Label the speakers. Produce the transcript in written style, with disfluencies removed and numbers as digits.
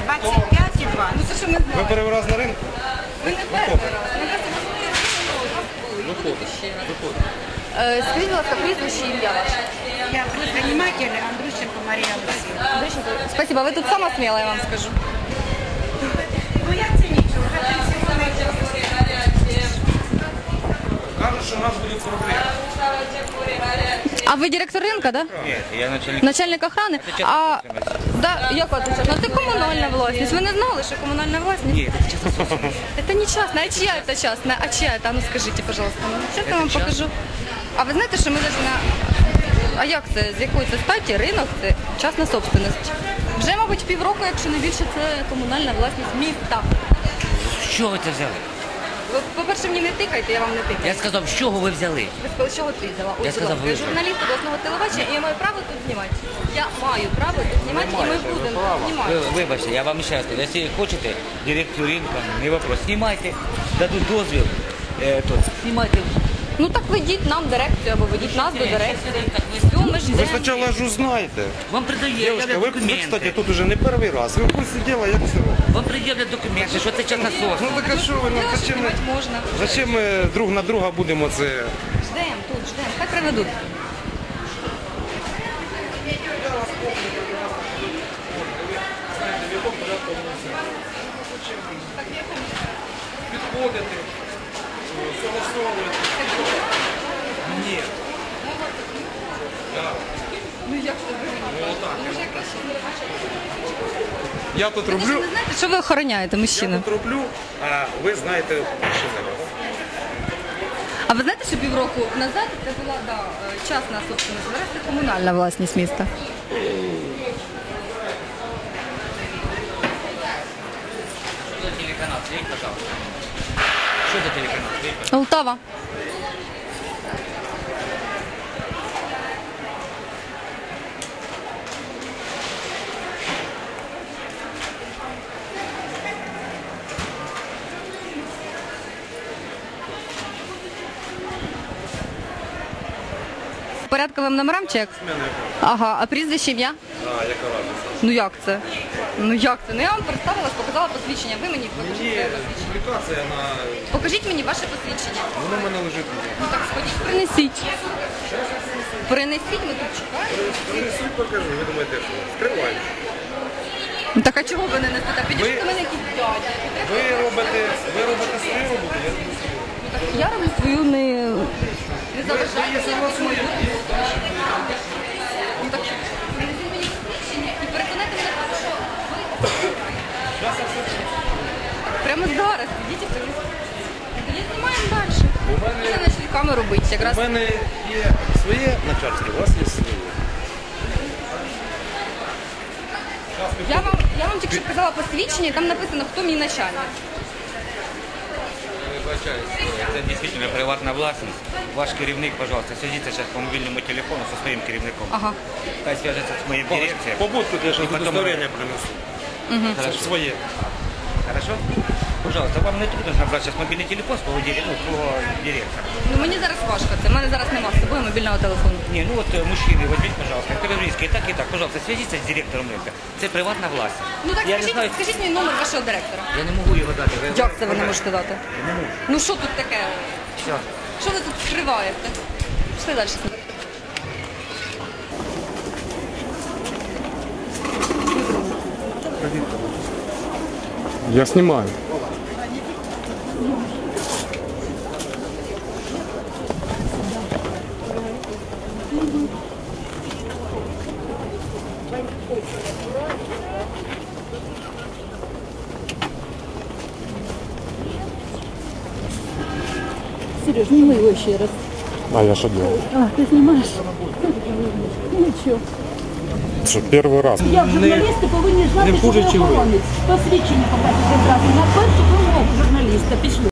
Speaker 1: 25,2.
Speaker 2: Ну це що ми
Speaker 3: Ви
Speaker 2: знаємо.
Speaker 3: перший раз на ринку?
Speaker 2: Ви не перший раз. Ми просто
Speaker 3: Виходить.
Speaker 2: скажіть, будь ласка, прізвище і ім'я ваше.
Speaker 1: Я предприниматель Андрющенко Мария Алексеевна.
Speaker 2: Спасибо, ви тут сама сміла, я вам скажу.
Speaker 1: Ну я це нічого, вже пенсіонер.
Speaker 3: Кажуть, що у нас будуть проблеми.
Speaker 2: А ви директор ринка, да?
Speaker 4: Ні, я начальник.
Speaker 2: Начальник охрани? А, да, як це? Ну, це комунальна власність. Ви не знали, що комунальна власність?
Speaker 4: Ні, це частна собственность.
Speaker 2: Это не частная, а чья это частная? А чья это? А ну скажите, пожалуйста. Сейчас я вам покажу. А ви знаєте, що ми навіть на... А як це? З якої це статі? Ринок – це частна собственность. Вже, мабуть, півроку, якщо не більше, це комунальна власність міста.
Speaker 4: З чого ви це взяли?
Speaker 2: Ви, по-перше, мені не тикайте, я вам не тикаю.
Speaker 4: Я сказав, з чого ви взяли?
Speaker 2: Ви сказали, що ти взяла?
Speaker 4: Я сказав, ви.
Speaker 2: Я журналіст обласного телебачення, і я маю право тут знімати. Я маю право тут знімати, і ми будемо знімати.
Speaker 4: Вибачте, я вам ще раз кажу, якщо хочете, директор ринку, не вопрос. Знімайте, дадуть дозвіл, знімайте.
Speaker 2: Ну так ведіть нам дирекцію, або ведіть нас до дирекції. Все, ми
Speaker 3: Ви
Speaker 2: ждемо.
Speaker 3: спочатку ж узнаєте.
Speaker 4: Вам придають
Speaker 3: Девушка, ви, кстати,
Speaker 4: документи.
Speaker 3: тут уже не перший раз. Ви в курсі діла, як це робить?
Speaker 4: Вам пред'являть документи, що це частна
Speaker 3: Ну
Speaker 4: собственность.
Speaker 3: так а що ви, ну
Speaker 2: Знімати можна.
Speaker 3: зачем ми друг на друга будемо це...
Speaker 2: Ждемо тут, ждемо. Хай приведуть.
Speaker 3: Підходити, согласовувати. Ні. Я тут роблю,
Speaker 2: Ви знаєте, що ви охороняєте, мужчина?
Speaker 3: роблю, а ви знаєте, що зараз.
Speaker 2: А ви знаєте, що півроку назад це була частна собственность, зараз це комунальна власність міста.
Speaker 4: Що за телеканал? Світь, пожалуйста. Що за телеканал? Світь, пожалуйста.
Speaker 2: Полтава. Порядковим номерам чи як? Ага, а прізвище ім'я?
Speaker 3: А, яка разниця?
Speaker 2: Ну як це? Ну як це? Ну я вам представилась, показала посвідчення. Ви мені покажіть
Speaker 3: Ні,
Speaker 2: своє посвідчення.
Speaker 3: публікація на...
Speaker 2: Покажіть мені ваше посвідчення.
Speaker 3: Воно в мене лежить.
Speaker 2: Ну так сходіть, принесіть. Принесіть, ми тут чекаємо.
Speaker 3: Принесіть, покажу, ви думаєте, що? Скриваю.
Speaker 2: Ну так а чого ви не несете? Підійшли до мене якісь дядя.
Speaker 3: Ви робите свою роботу, я роблю свою.
Speaker 2: Ну так я роблю свою не заважайте. Ну так принесіть мені посвідчення і переконайте мене, в тому, що ви... Прямо зараз, підіть і принесіть. Тоді знімаємо далі. Ми почали камеру бити якраз.
Speaker 3: У мене є своє начальство, у вас є своє.
Speaker 2: Я вам тільки що показала посвідчення, і там написано, хто мій начальник.
Speaker 4: Вибачаюсь, це дійсно приватна власність. Ваш керівник, пожалуйста, свяжіться зараз по мобільному телефону зі своїм керівником.
Speaker 2: Ага.
Speaker 4: Хай зв'яжеться з моїм дирекцією.
Speaker 3: Побудь тут, я ще
Speaker 4: потім-
Speaker 3: удостоверення принесу. Це ж своє.
Speaker 4: Хорошо? Пожалуйста, вам не трудно набрати зараз мобільний телефон з твого директора.
Speaker 2: Ну мені зараз важко це. У мене зараз немає з собою мобільного телефону.
Speaker 4: Ні, ну от мужчини, возьміть, пожалуйста, Криврівський, і так, пожалуйста, свяжіться з директором ринку. Це приватна власність.
Speaker 2: Ну так
Speaker 4: Я не знаю,
Speaker 2: скажіть мені номер вашого директора.
Speaker 4: я не можу його дати.
Speaker 2: Як це ви не можете дати?
Speaker 4: Не можу.
Speaker 2: Ну що тут таке?
Speaker 4: Все.
Speaker 2: Що ви тут скриваєте? Пішли далі.
Speaker 3: Я знімаю.
Speaker 5: Сереж, снимай его еще раз.
Speaker 3: А я що делаю?
Speaker 5: А, ты снимаешь? Ну ничего.
Speaker 3: Що, перший раз?
Speaker 5: Я журналісти повинні знати, що ви охоронець. Посвідчення показати одразу. На першу вимогу журналіста пішли.